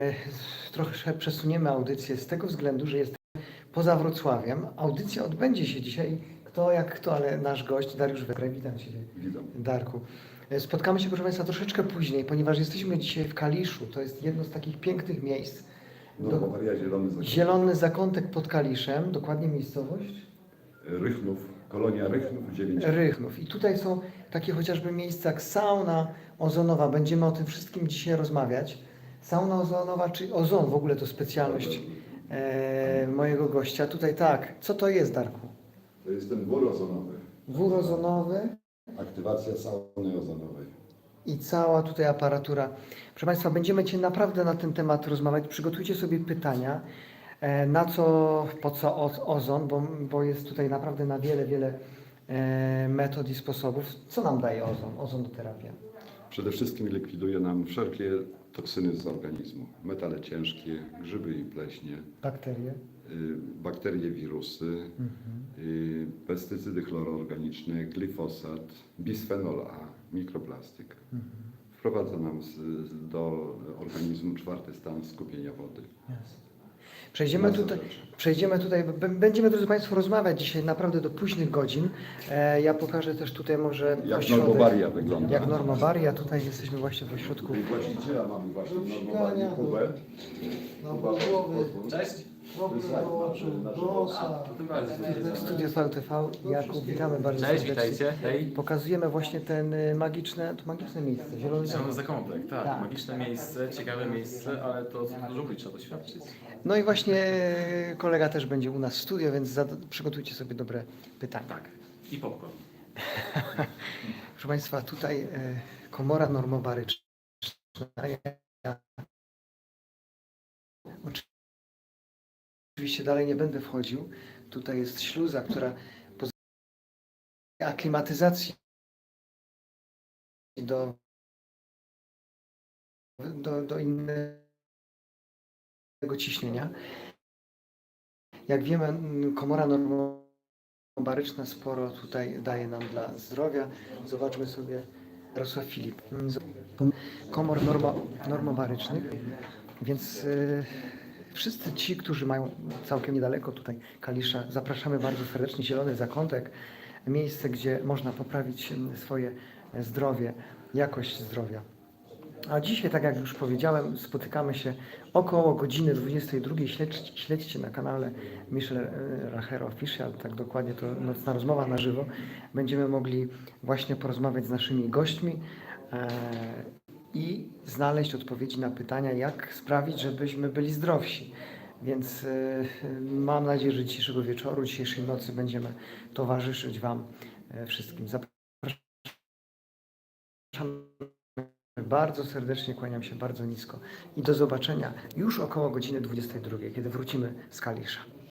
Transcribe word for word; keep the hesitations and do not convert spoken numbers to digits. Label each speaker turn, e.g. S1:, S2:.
S1: Trochę przesuniemy audycję z tego względu, że jest poza Wrocławiem. Audycja odbędzie się dzisiaj, kto jak kto, ale nasz gość Dariusz Wegraj. Witam Cię,
S2: Witam.
S1: Darku. Spotkamy się, proszę Państwa, troszeczkę później, ponieważ jesteśmy dzisiaj w Kaliszu. To jest jedno z takich pięknych miejsc.
S2: Normowaria Zielony Zakątek.
S1: Zielony Zakątek pod Kaliszem, dokładnie miejscowość?
S2: Rychnów, kolonia Rychnów dziewięć.
S1: Rychnów. I tutaj są takie chociażby miejsca jak sauna ozonowa. Będziemy o tym wszystkim dzisiaj rozmawiać. Sauna ozonowa, czy ozon w ogóle to specjalność e, mojego gościa. Tutaj tak. Co to jest, Darku?
S2: To jest ten wór ozonowy.
S1: Wór ozonowy
S2: Aktywacja sauny ozonowej.
S1: i cała tutaj aparatura. Proszę Państwa, będziemy Cię naprawdę na ten temat rozmawiać. Przygotujcie sobie pytania. E, na co, po co o- ozon, bo, bo jest tutaj naprawdę na wiele, wiele e, metod i sposobów. Co nam daje ozon, ozonoterapia?
S2: Przede wszystkim likwiduje nam wszelkie toksyny z organizmu. Metale ciężkie, grzyby i pleśnie,
S1: Bakterie.
S2: y, bakterie, wirusy, y, pestycydy chloroorganiczne, glifosat, bisfenol A, mikroplastik. Wprowadza nam z, do organizmu czwarty stan skupienia wody.
S1: Jasne. Przejdziemy
S2: Masa
S1: tutaj,
S2: rzeczy.
S1: przejdziemy tutaj, b- będziemy, drodzy Państwo, rozmawiać dzisiaj naprawdę do późnych godzin. E, ja pokażę też tutaj może
S2: Jak
S1: ośrodek,
S2: normowaria wygląda.
S1: jak normowaria. Tutaj jesteśmy właśnie w ośrodku.
S2: I właściciela mamy właśnie normowarię Kubę.
S3: No, głowy,
S4: Cześć.
S3: kropły do oczu, do nosa.
S1: Studio V T V. Jakub, witamy bardzo
S4: Cześć,
S1: serdecznie.
S4: witajcie. Hej.
S1: Pokazujemy właśnie ten y, magiczne, to magiczne miejsce, zielony
S4: Zielony
S1: zakątek.
S4: Zakątek, tak.
S1: Tak.
S4: Magiczne miejsce, ciekawe miejsce, ale to dużo ludzi trzeba doświadczyć.
S1: No i właśnie y, kolega też będzie u nas w studio, więc zada- przygotujcie sobie dobre pytania.
S4: Tak. I popcorn.
S1: Proszę Państwa, tutaj y, komora normobaryczna. Ja oczywiście dalej nie będę wchodził. Tutaj jest śluza, która pozwala aklimatyzacji do, do, do innego ciśnienia. Jak wiemy, m, komora normobaryczna sporo tutaj daje nam dla zdrowia. Zobaczmy sobie Jarosław Filip. M, z- Komor normo, normobarycznych, więc y, wszyscy ci, którzy mają całkiem niedaleko tutaj Kalisza, zapraszamy bardzo serdecznie. Zielony Zakątek, miejsce, gdzie można poprawić m, swoje zdrowie, jakość zdrowia. A dzisiaj, tak jak już powiedziałem, spotykamy się około godziny dwudziestej drugiej. Śledź, śledźcie na kanale Michel e, Racher Official, tak dokładnie, to nocna rozmowa na żywo. Będziemy mogli właśnie porozmawiać z naszymi gośćmi e, i znaleźć odpowiedzi na pytania, jak sprawić, żebyśmy byli zdrowsi. Więc e, mam nadzieję, że dzisiejszego wieczoru, dzisiejszej nocy będziemy towarzyszyć Wam e, wszystkim. Zapraszam. Bardzo serdecznie kłaniam się, bardzo nisko i do zobaczenia już około godziny dwudziestej drugiej, kiedy wrócimy z Kalisza.